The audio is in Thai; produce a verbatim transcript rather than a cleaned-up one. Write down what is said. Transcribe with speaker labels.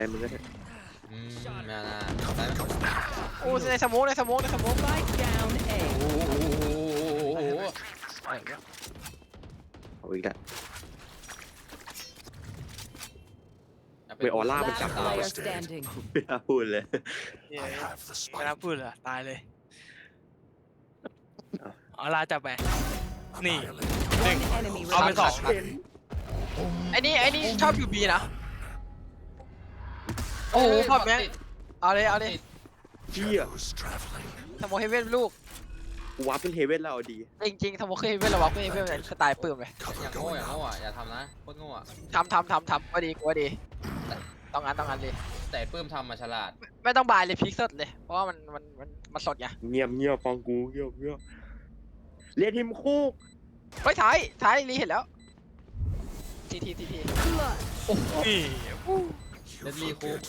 Speaker 1: แต่มึงก็ได้
Speaker 2: อืมน่าน่าได้ไหม
Speaker 3: โอ้ในสโมกในสโมกในสโมก
Speaker 4: Spike down A.
Speaker 2: โอ้โหโอ้โห
Speaker 3: อะไรเนี่ย
Speaker 1: เอาอีกแล้วไปออร่ามัน
Speaker 4: Last
Speaker 1: จับเรา
Speaker 4: player standing.
Speaker 1: ไม่น่าพูดเลย
Speaker 3: เนี่ยไม่น่าพูดเลยตายเลยเอาลาจับไปนี่หนึ่ง
Speaker 4: One enemy
Speaker 3: เอาไปสอง
Speaker 4: remaining.
Speaker 3: ไอ้นี่ไอ้นี่ชอบอยู่บีนะโอ้โหพอดแม่งเอาเลยเอาเลย
Speaker 1: เชี่ย
Speaker 3: สโมกเฮเว่นลูก
Speaker 1: กูวับเป็นเฮเว่นแล้วเอาดี
Speaker 3: จริงจริงๆสโมกเฮเว่นระวังเฮเว่นเป็นสไตล์ปื้มเลย
Speaker 2: อย่างโง่อย่างโง่อ่ะอย่าทำนะโคตรโง่อ่ะ
Speaker 3: ทำทำทำทำก็ดีก็ดีต้องงั้นต้องงั้นเลย
Speaker 2: แต่ปื้มทำมาฉลาด
Speaker 3: ไม่ต้องบายเลยพลิกสดเลยเพราะว่ามันมันมันมันสดไง
Speaker 1: เงียบเงียบฟังกูเงียบเงียบเรียนทีมคู่
Speaker 3: เฮ้ยท้ายท้ายรีเห็นแล้วทีทีทีที
Speaker 4: Blood.
Speaker 3: โอ้โห
Speaker 2: เดดลีคู